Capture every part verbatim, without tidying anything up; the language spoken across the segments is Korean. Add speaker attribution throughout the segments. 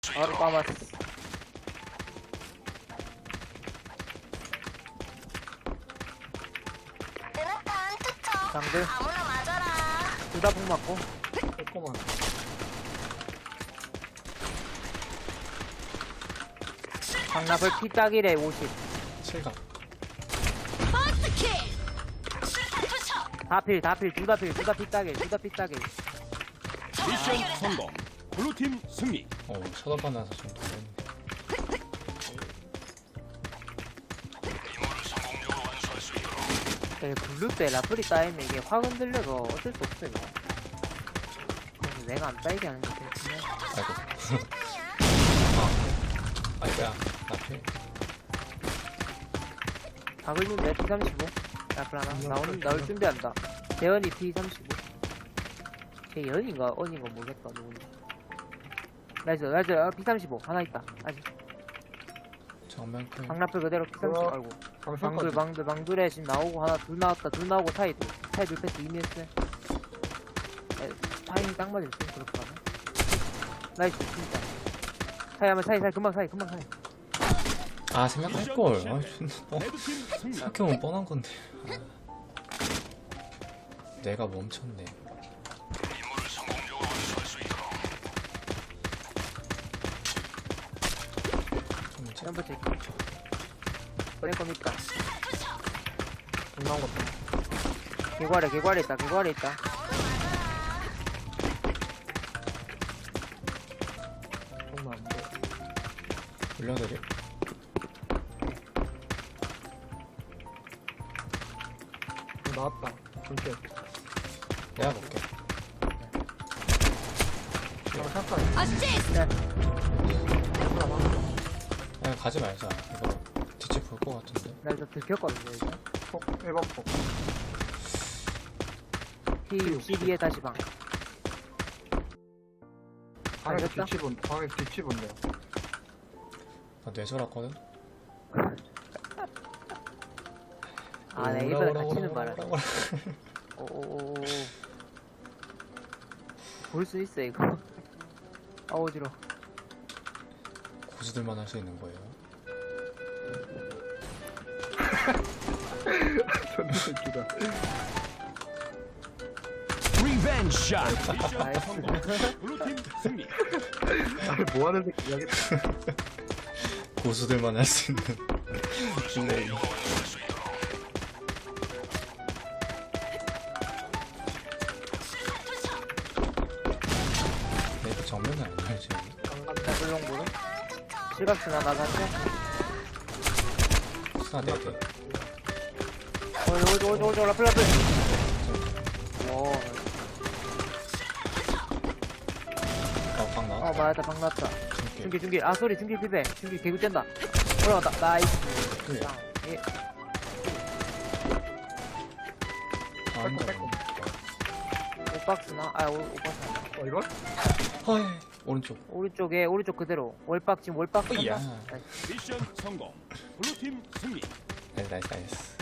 Speaker 1: 바로 까봤어.
Speaker 2: 드나탄 투척
Speaker 1: 장들
Speaker 2: 아무나 맞아라.
Speaker 1: 둘 다 폭 맞고.
Speaker 3: 조금만.
Speaker 1: 강납을 피따기래 오십.
Speaker 3: 칠각.
Speaker 2: 버스킥 수류탄 투척
Speaker 1: 다필 다필 둘 다 필 둘 다 피따기 둘 다 피따기.
Speaker 4: 미션 성공. 블루팀 승리.
Speaker 3: 어, 쳐다봐 나서 좀 놀랐네.
Speaker 1: 네, 블루 때 라플이 따이면 이게 확 흔들려서 어쩔 수 없어 이거. 그래서 내가 안 따이게 하는 게 좋겠네.
Speaker 3: 아이고. 아, 아이고야. 나필.
Speaker 1: 박을 준비해 피 삼십오. 라플 하나 나오는 나올 준비한다. 대현이 피 삼십오. 걔 연인가 언인가 모르겠다 누군지. 나이스 나이스 아, 피 삼십오 하나 있다 아직.
Speaker 3: 정면 클.
Speaker 1: 강라플 그대로 피 삼십오.
Speaker 3: 우와.
Speaker 1: 아이고. 방둘
Speaker 3: 방송까지.
Speaker 1: 방둘 방둘에 지금 나오고 하나 둘 나왔다 둘 나오고 사이드 사이드 패스 이미했어. 타이밍 딱 맞을 때 그렇게 하면 나이스 진짜 사이 하면 사이 사이 금방 사이 금방 사이.
Speaker 3: 아, 생각할걸. 아, 존나 뻔.
Speaker 4: 레드팀 승리.
Speaker 3: 생각해보면 뻔한 건데. 아. 내가 멈췄네. 좀 차-
Speaker 1: 점프 체크 보낼 겁니까?
Speaker 3: 나온 것도.
Speaker 1: 개괄에 개괄에 있다 개괄에 있다.
Speaker 3: 정말 안 돼. 올려드려?
Speaker 5: 나왔다. 볼게.
Speaker 3: 내가 볼게.
Speaker 2: 어시스트
Speaker 1: 네.
Speaker 3: 그냥 가지 말자. 이거 뒤집 볼것 같은데.
Speaker 1: 나 이거 들켰거든요 이제.
Speaker 5: 폭, 일 번 폭.
Speaker 1: 피 육십이에 다시 방.
Speaker 5: 방에
Speaker 1: 알겠다.
Speaker 5: 뒤치 본, 방에 뒤치 본대요.
Speaker 3: 나 뇌절았거든?
Speaker 1: 아 내
Speaker 3: 오라,
Speaker 1: 입에
Speaker 3: 오라,
Speaker 1: 갇히는
Speaker 3: 오라,
Speaker 1: 바람.
Speaker 3: 오라, 오라.
Speaker 1: 오오오오. 볼 수 있어 이거. 아 어지러.
Speaker 3: 고수들만 할 수 있는 거예요.
Speaker 5: 존나 웃기다.
Speaker 4: 리벤지 샷. 미션
Speaker 1: 나이스.
Speaker 4: 성공. 블루팀 승리.
Speaker 5: 아, 뭐 하는 새끼 여기
Speaker 3: 고수들만 할 수 있는 플레이. 내가 정면은 안 열지.
Speaker 1: 더블롱보는 실각스나 나갔죠?
Speaker 3: 스나 네 개.
Speaker 1: 어이 어이 어이 어이 라플 라플. 오.
Speaker 3: 어, 방
Speaker 1: 어
Speaker 3: 나왔다.
Speaker 1: 맞았다 방 났다.
Speaker 3: 줄게.
Speaker 1: 중기 중기 아 소리 중기 피배 중기 개구 뗀다. 올라갔다 나이스.
Speaker 3: 그래.
Speaker 1: 다운. 예.
Speaker 3: 아, 혼자.
Speaker 1: 오박스나 아 오, 오박스 아니야.
Speaker 5: 어, 이거?
Speaker 3: 허이. 오른쪽.
Speaker 1: 오른쪽에 오른쪽 그대로 월박 지금 월박
Speaker 3: 어이야.
Speaker 1: 한다. 나이스.
Speaker 4: 미션 성공. 블루팀 승리.
Speaker 3: 나이스, 나이스, 나이스.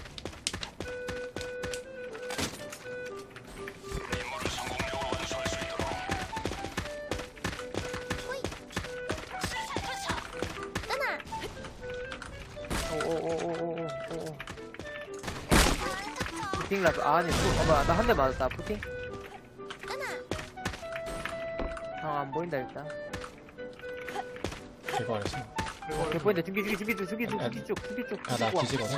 Speaker 1: 오오오오오오오. 푸팅 라플 아 아니 푸 어머 나 한 대 맞았다 푸팅. 아안 보인다 일단.
Speaker 3: 제거 안 했어.
Speaker 1: 개 보인다 중기 중기 중기 쪽 중기 쪽
Speaker 3: 아,
Speaker 1: 중기 쪽 중기 쪽.
Speaker 3: 아, 나 뒤집어서?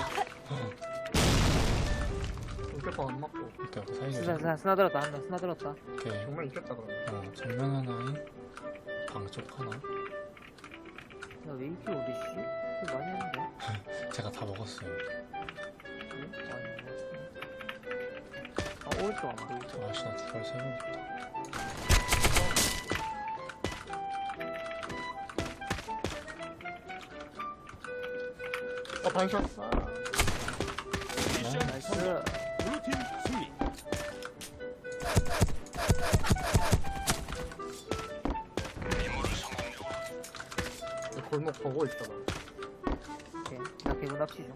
Speaker 5: 이렇게 안 맞고.
Speaker 3: 그니까 그 사이즈.
Speaker 1: 스나 스나 스나 들었다 한명 스나 들었다.
Speaker 3: 오케이.
Speaker 5: 정말 있겠다, 그러면.
Speaker 3: 어, 정면 하나에 방쪽 하나.
Speaker 1: 나 왜 이렇게 어디 씨? 이거 많이 했는데.
Speaker 3: 제가 다 먹었어요.
Speaker 1: 그래? 아니 뭐. 아 오른쪽 안 보이죠?
Speaker 3: 아씨, 나 두발 세워야겠다.
Speaker 5: 어, 반샷.
Speaker 4: 미션
Speaker 1: 나이스.
Speaker 4: 성공. 블루팀 승리.
Speaker 5: 골목 보고 있어, 나.
Speaker 1: 오케이. 나 개구 납치 중.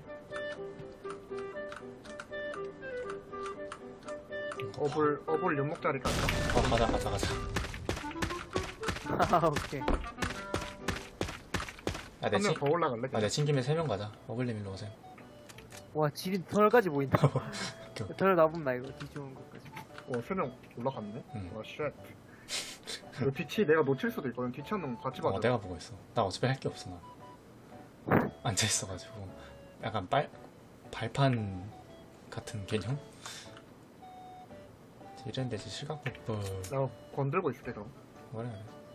Speaker 5: 어불, 어불 연목자리 갈까?
Speaker 3: 어, 가자, 가자, 가자.
Speaker 1: 아 오케이.
Speaker 3: 아, 내
Speaker 5: 한 명
Speaker 3: 친,
Speaker 5: 더 올라갈래?
Speaker 3: 아, 내 친김에 세 명 가자. 어글림 일로 오세요.
Speaker 1: 와 지린 덜까지 보인다.
Speaker 3: 오케이.
Speaker 1: 덜 나본다 이거 뒤 좋은 것까지.
Speaker 5: 어, 세 명 올라갔네?
Speaker 3: 응.
Speaker 5: 와, 쉣. 그 뒤치 내가 놓칠 수도 있거든. 뒤치 한 명 같이 봐줘.
Speaker 3: 어, 내가 보고 있어. 나 어차피 할 게 없어, 나. 앉아있어가지고. 약간 빨, 발판 같은 개념? 이랬는데 이제 실각폭도.
Speaker 5: 내가 건들고 있을게, 그럼.
Speaker 3: 뭐래.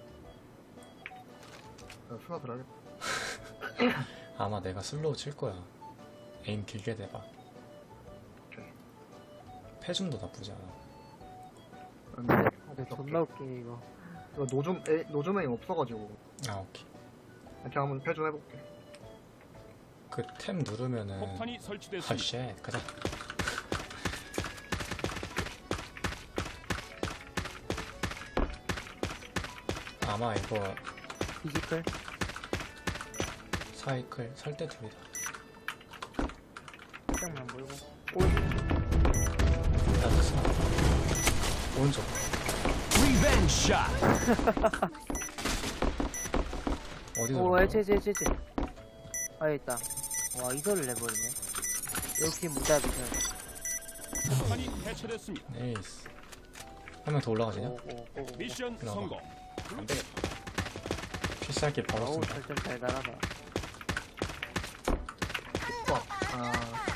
Speaker 5: 내가 수나 들어야겠다.
Speaker 3: 아마 내가 슬로우 칠 거야. 에임 길게 대봐. 패준도 나쁘지 않아.
Speaker 5: 근데,
Speaker 1: 근데 존나 웃기네 이거.
Speaker 5: 이거 노좀, 에, 노좀에 없어가지고.
Speaker 3: 아, 오케이.
Speaker 5: 이렇게 한번 패준해볼게.
Speaker 3: 그 템 누르면은.
Speaker 4: 폭탄이
Speaker 3: 아,
Speaker 4: 설치됐습니다.
Speaker 3: 쉣. 가자. 아마 이거
Speaker 1: 피지컬.
Speaker 3: 사이클 설 때 둘이다.
Speaker 1: 살짝만 몰고.
Speaker 3: 나도 스나. 오른쪽.
Speaker 4: 리벤지 샷.
Speaker 3: 어디서?
Speaker 1: 오 해체 해체 해체 해체. 아 여기 있다. 와 이소를 내버리네. 역시 무자비전.
Speaker 4: 폭탄이 해체됐습니다.
Speaker 3: 네이스. 한 명 더 올라가지냐?
Speaker 1: 오오오.
Speaker 4: 미션
Speaker 3: 올라가.
Speaker 4: 성공.
Speaker 3: 안 되겠다. 필살기 바로
Speaker 1: 어우
Speaker 3: 쓴다.
Speaker 1: 설정 잘 달아봐.
Speaker 5: 와, 아,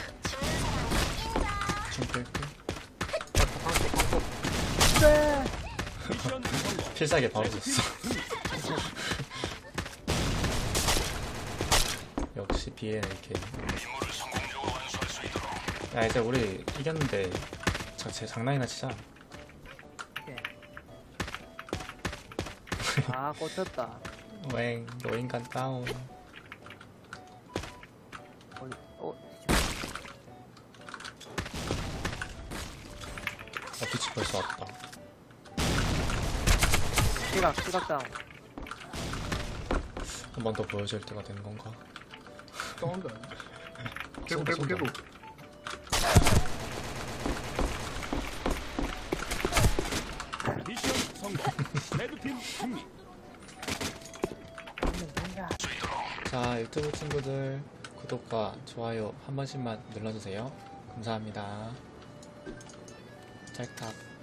Speaker 3: 중 끌.
Speaker 5: 방콕, 방콕.
Speaker 1: 네.
Speaker 4: 미션 성공.
Speaker 3: 필살기 바로 썼어. 역시 비엔에이케이. 야 이제 우리 이겼는데 자, 제 장난이나 치자.
Speaker 1: 아 꽂혔다.
Speaker 3: 웽 노인간 다운.
Speaker 1: 어디 어
Speaker 3: 아 빛이 벌써 왔다.
Speaker 1: 시각 시각 다운.
Speaker 3: 한 번 더 보여줄 때가 된 건가?
Speaker 5: 사운드 아니야? 개구,
Speaker 3: 쏜다,
Speaker 5: 개구, 개구.
Speaker 3: 쏜다.
Speaker 4: 미션 성공. 레드팀 승리.
Speaker 3: 자 유튜브 친구들 구독과 좋아요 한 번씩만 눌러주세요. 감사합니다. 짤탑.